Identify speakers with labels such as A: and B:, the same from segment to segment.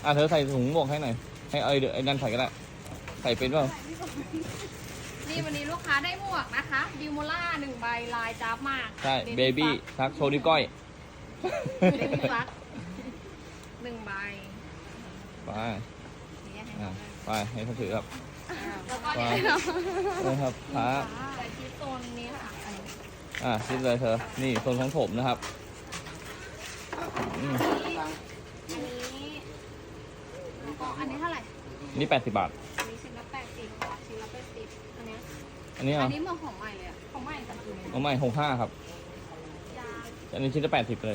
A: เธอใส่ถุงหมวกให้หน่อยให้ไอ้นั่นใส่ก็ได้ใส่เป็นเปล่า
B: นี่วันนี้ลูกค้าได้หมวกนะคะดิวโมล่า1 ใบลายจ้าบมาก
A: ใช่เบบี้ทักโชว์นิ้วก้อย
B: เบบี้ฟัก1 ใบ
A: ไป
B: นี่ให้
A: ไปให้เขาถือครับ
B: แล้วก็
A: ไป
B: เนี่ย
A: นะครับพระ
B: ใส่ที่โซนนี้ค่ะ
A: คิดเลยเธอนี่โซนของผมนะครับอืม
B: อันนี้เท่าไหร่
A: นี่80 บาท
B: อันนี้ชิ้นละ80 ชิ้นละ80อันเนี้ย
A: อันนี้
B: อั
A: อ่ะ
B: นนี้เหมือนของใหม่เลยอะของใหม่กับตัวนี้
A: เอาใหม่65ครับ
B: ยา
A: อันนี้ชิ้นละ80เลย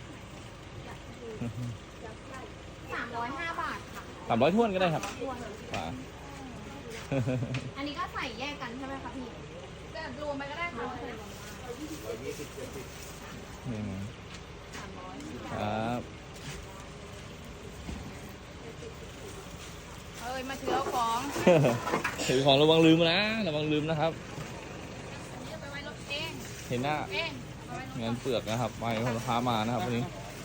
B: 305 บาทค่ะ
A: 300ท้วนก็ได้ครับ
B: รวม
A: อ่า
B: อันนี้ก็ใส่แยกกันใช่ไหมคะพี่จะรวมไปก็ได้ค่ะ
A: อืม
B: 300
A: ครับ
B: เอ้ยมาถือเอาของ
A: ถือของระวังลืมนะระวังลืมนะครับ
B: นี่ไปไว้รถเอง
A: เห็นหน้า
B: เองเอาไว้รถ
A: เงินเปลือกนะครับไปของลูกค้ามานะครับวันนี้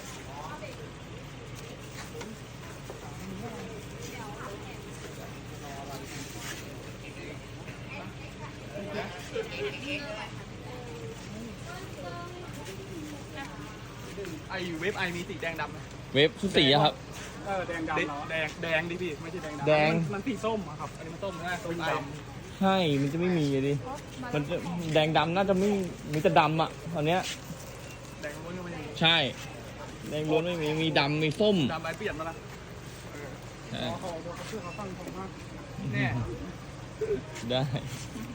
C: ไอเว็บไอมีสีแดงดำไหม
A: เว็บชุดสีอะครับ
C: แดงดำเหรอแดงดิพี่ไม่ใช่แดงดำ
A: แดง
C: มันสีส้มอะครับอันนี้มันส้มใช่ไหมส้มด
A: ใช่มันจะไม่มีเลยดิมันจะแดงดำน่าจะไม่มีแต่ดำอ่ะตอนเนี้ย
C: ำแดงล้วนก็ไม่มี
A: ใช่แดงล้วนไม่มีมีดำมีส้ม
C: ดำอะไรเปลี่ยนมาละ
A: ใช่
C: เขาชื่อเขาตั้งผมว่าแน่
A: ได้